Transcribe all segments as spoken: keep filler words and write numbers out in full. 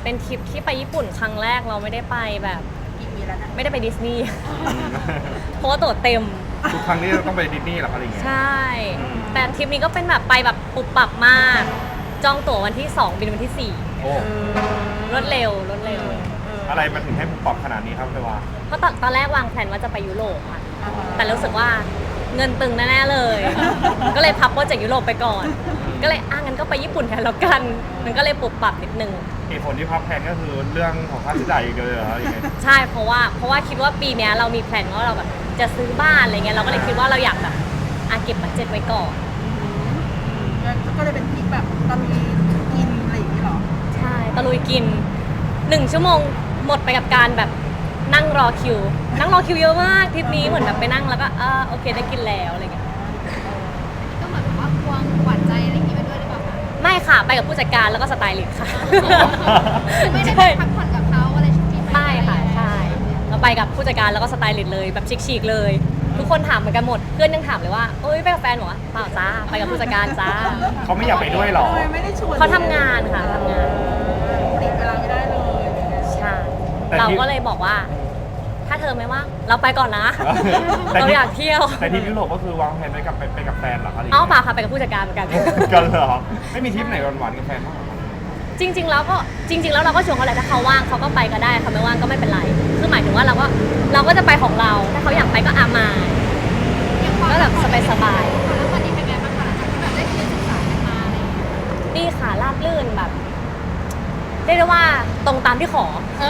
เป็นทริปที่ไปญี่ปุ่นครั้งแรกเราไม่ได้ไปแบบกี่ปีแล้วนะไม่ได้ไปดิสนีย์ เพราะว่าตั๋วเต็มทุกครั้งนี้เราต้องไปดิสนีย์หรออะไรอย่างเงี้ยใช่แต่ทริปนี้ก็เป็นแบบไปแบบปุบปับมากจองตั๋ววันที่สองบินวันที่สี่โอ้รวดเร็วรวดเร็วอะไรมันถึงให้ปุบปับขนาดนี้ครับเทวาเพราะตอนตอนแรกวางแผนว่าจะไปยุโรปค่ะแต่รู้สึกว่าเงินตึงแน่ๆเลย ก็เลยพับโปรเจกต์ยุโรปไปก่อนก็เลยอ่ะงั้นก็ไปญี่ปุ่นแทนแล้วกันมันก็เลยปุบปับนิดนึงเหตุผลที่พับแผนก็คือเรื่องของค่าใช้จ่ายอีกเลยเหรอยังไงใช่เพราะว่าเพราะว่าคิดว่าปีนี้เรามีแผนว่าเราแบบจะซื้อบ้านอะไรเงี้ยเราก็เลยคิดว่าเราอยากแบบอ่ะเก็บบัดเจ็ตไว้ก่อนก็เลยเป็นทริปแบบตะลุยกินอะไรอย่างนี้หรอใช่ตะลุยกินหนึ่งชั่วโมงหมดไปกับการแบบนั่งรอคิวนั่งรอคิวเยอะมากทริปนี้เหมือนแบบไปนั่งแล้วก็เออโอเคได้กินแล้วอะไรเงี้ยก็เหมือนว่าควงหวานใจอะไรอย่างนี้ไปด้วยหรือเปล่าคะไม่ค่ะไปกับผู้จัดการแล้วก็สไตลิสต์ค่ะไม่ได้ไปพักผ่อนกับเขาอะไรชุดนี้ไม่ค่ะใช่เราไปกับผู้จัดการแล้วก็สไตลิสต์เลยแบบชิคๆเลยทุกคนถามเหมือนกันหมดเพื่อนยังถามเลยว่าเอ้ยไปกับแฟนหรอเปล่าจ้าไปกับผู้จัดการจ้าเขาไม่อยากไปด้วยหรอไม่ได้ชวนเขาทำงานค่ะทำงานติดเวลาไม่ได้เลยใช่เราก็เลยบอกว่าถ้าเธอไม่ว่างเราไปก่อนนะเราอยากเที่ยวแต่ที่ยุโรปก็คือวางแผนไปกับไปกับแฟนหรอคะอ๋อเปล่าค่ะไปกับผู้จัดการเหมือนกันกันเหรอไม่มีทริปไหนหวานๆกับแฟนบ้างจริงๆแล้วก็จริงๆแล้วเราก็ชวนเขาแหละถ้าเขาว่างเขาก็ไปก็ได้เขาไม่ว่างก็ไม่เป็นไรคือหมายถึงว่าเราก็เราก็จะไปของเราถ้าเขาอยากไปก็อามาก็แบบสบายๆแล้ววันนี้เป็นไงบ้างคะหลังจากที่แบบได้เรียนศึกษากันมาอะไรอย่างเงี้ยดีค่ะราบรื่นแบบเรียกได้ว่าตรงตามที่ขอ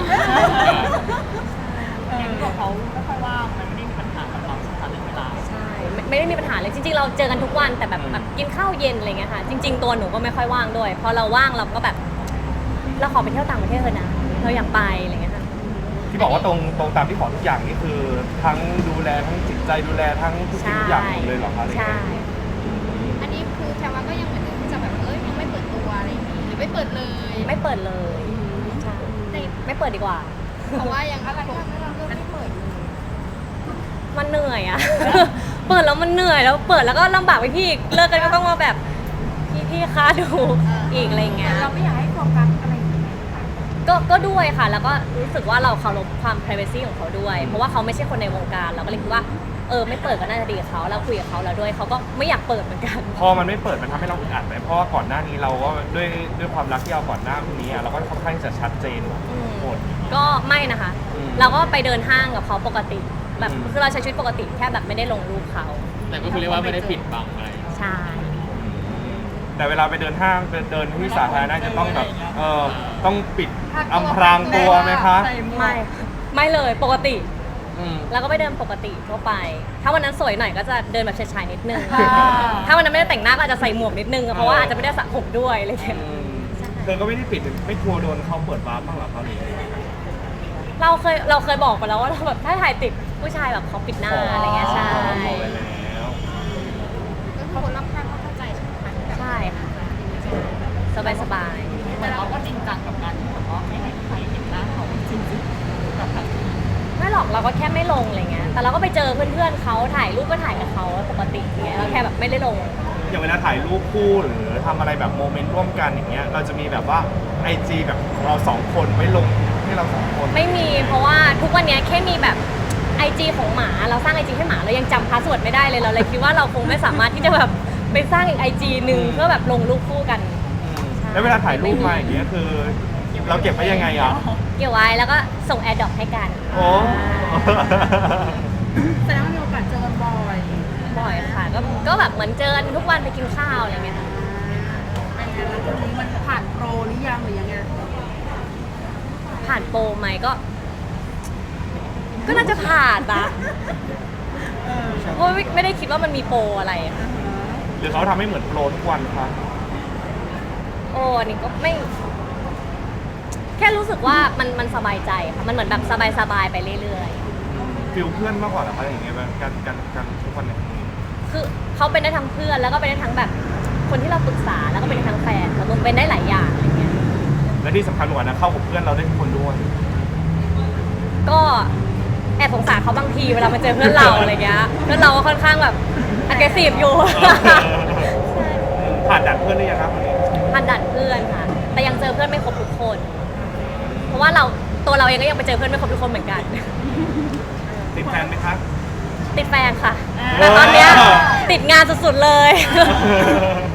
อย่างที่บอกเขาไม่ค่อยว่างมันไม่ได้มีปัญหากับเราสักเรื่องเวลาใช่ไม่ได้มีปัญหาเลยจริงๆเราเจอกันทุกวันแต่แบบแบบกินข้าวเย็นอะไรเงี้ยค่ะจริงๆตัวหนูก็ไม่ค่อยว่างด้วยพอเราว่างเราก็แบบเราขอไปเที่ยวต่างประเทศเถอะนะเราอยากไปอะไรเงี้ยค่ะที่บอกว่าตรงตรงตามที่ขอทุกอย่างนี่คือทั้งดูแลทั้งจิตใจดูแลทั้งทุกสิ่งทุกอย่างเลยเหรอคะใช่อันนี้คือแพรว่าก็ยังเหมือนเดิมที่จะแบบเอ้ยยังไม่เปิดตัวอะไรอย่างนี้หรือไม่เปิดเลยไม่เปิดเลยใช่ไม่เปิดดีกว่าเพราะว่ายังอะไรที่ทำให้เราเลือกไม่เปิดเลยมันเหนื่อยอะ เปิดแล้วมันเหนื่อยแล้วเปิดแล้วก็ลำบากไปพี่เลิกกันก็ต้องมาแบบพี่พี่คะดูอีกอะไรเงี้ยเราไม่อยากให้โฟกัสอะไรก็ก็ด้วยค่ะแล้วก็รู้สึกว่าเราเคารพความ privacy ของเขาด้วยเพราะว่าเขาไม่ใช่คนในวงการเราก็เลยคิดว่าเออไม่เปิดก็น่าจะดีกับเขาเราคุยกับเขาแล้วด้วยเขาก็ไม่อยากเปิดเหมือนกันพอมันไม่เปิดมันทำให้เราอึดอัดไหมเพราะว่าก่อนหน้านี้เราก็ด้วยด้วยความรักที่เราก่อนหน้านี้เราก็ค่อนข้างจะชัดเจนหมดก็ไม่นะคะเราก็ไปเดินห้างกับเขาปกติแบบคือเราใช้ชีวิตปกติแค่แบบไม่ได้ลงรูปเขาแต่ก็คือเรียกว่าไม่ได้ปิดบังอะไรใช่แต่เวลาไปเดินห้างไปเดินที่สาธารณะจะต้องแบบเออต้องปิดอำพรางตัวไหมคะไม่ไม่เลยปกติแล้วก็ไปเดินปกติทั่วไปถ้าวันนั้นสวยหน่อยก็จะเดินแบบชายๆนิดนึงถ้าวันนั้นไม่ได้แต่งหน้าก็อาจจะใส่หมวกนิดนึงเพราะว่าอาจจะไม่ได้สระผมด้วยอะไรอย่างเงี้ยเธอก็ไม่ได้ปิดไม่กลัวโดนเขาเปิดบาร์บ้างหรอเขาหรือเราเคยเราเคยบอกไปแล้วว่าเราแบบถ้าถ่ายติดผู้ชายแบบเขาปิดหน้าอะไรเงี้ยใช่ก็คือคนรอบข้างก็เข้าใจใช่ไหมคะใช่ค่ะสบายสบายแต่เราก็จริงจังกับการแบบว่าไม่ให้ใครเห็นหน้าเขาจริงๆกับแบบไม่หรอกเราก็แค่ไม่ลงอะไรเงี้ยแต่เราก็ไปเจอเพื่อนๆเขาถ่ายรูปก็ถ่ายกับเขาปกติอย่างเงี้ยเราแค่แบบไม่ได้ลงอย่างเวลาถ่ายรูปคู่หรือทำอะไรแบบโมเมนต์ร่วมกันอย่างเงี้ยเราจะมีแบบว่าไอจีแบบเราสองคนไว้ลงให้เราสองคนไม่มีเพราะว่าทุกวันนี้แค่มีแบบไอจีของหมาเราสร้างไอจีให้หมาเรายังจำพาสเวิร์ดไม่ได้เลยเราเลยคิดว่าเราคงไม่สามารถที่จะแบบไปสร้างอีกไอจีหนึ่งเพื่อแบบลงรูปคู่กันแล้วเวลาถ่ายรูปมาอย่างเงี้ยคือเราเก็บไว้ยังไงอ่ะเก็บไว้แล้วก็ส่งแอร์ดรอปให้กันโอ้แสดงว่ามีโอกาสเจอกันบ่อยบ่อยค่ะก็ก็แบบเหมือนเจอกันทุกวันไปกินข้าวอะไรเงี้ยค่ะเป็นไงแล้วตรงนี้มันผ่านโปรหรือยังหรือยังไงผ่านโปรไหมก็ก็น่าจะผ่านนะเพราะไม่ได้คิดว่ามันมีโปรอะไรหรือเขาทำให้เหมือนโปรทุกวันคะโอ้นี่ก็ไม่แค่รู้สึกว่ามันมันสบายใจค่ะมันเหมือนแบบสบายๆไปเรื่อยๆฟิลเพื่อนมากกว่าอะไรอย่างเงี้ยแบบการการการทุกวันเนี่ยคือเขาเป็นได้ทั้งเพื่อนแล้วก็เป็นได้ทั้งแบบคนที่เราปรึกษาแล้วก็เป็นได้ทั้งแฟนแล้วมันเป็นได้หลายอย่างอะไรเงี้ยและที่สำคัญกว่านะเข้ากับเพื่อนเราได้ทุกคนด้วยก็แอบสงสารเขาบางทีเวลามาเจอเพื่อนเราอะไรเงี้ยเพื่อนเราก็ค่อนข้างแบบ aggressive อยู่ผ่านด่านเพื่อนหรือยังครับวันนี้ผ่านด่านเพื่อนค่ะแต่ยังเจอเพื่อนไม่ครบทุกคนเพราะว่าเราตัวเราเองก็ยังไปเจอเพื่อนไม่ครบทุกคนเหมือนกันติดแฟนไหมคะติดแฟนค่ะ แต่ตอนเนี้ยติดงานสุดๆเลย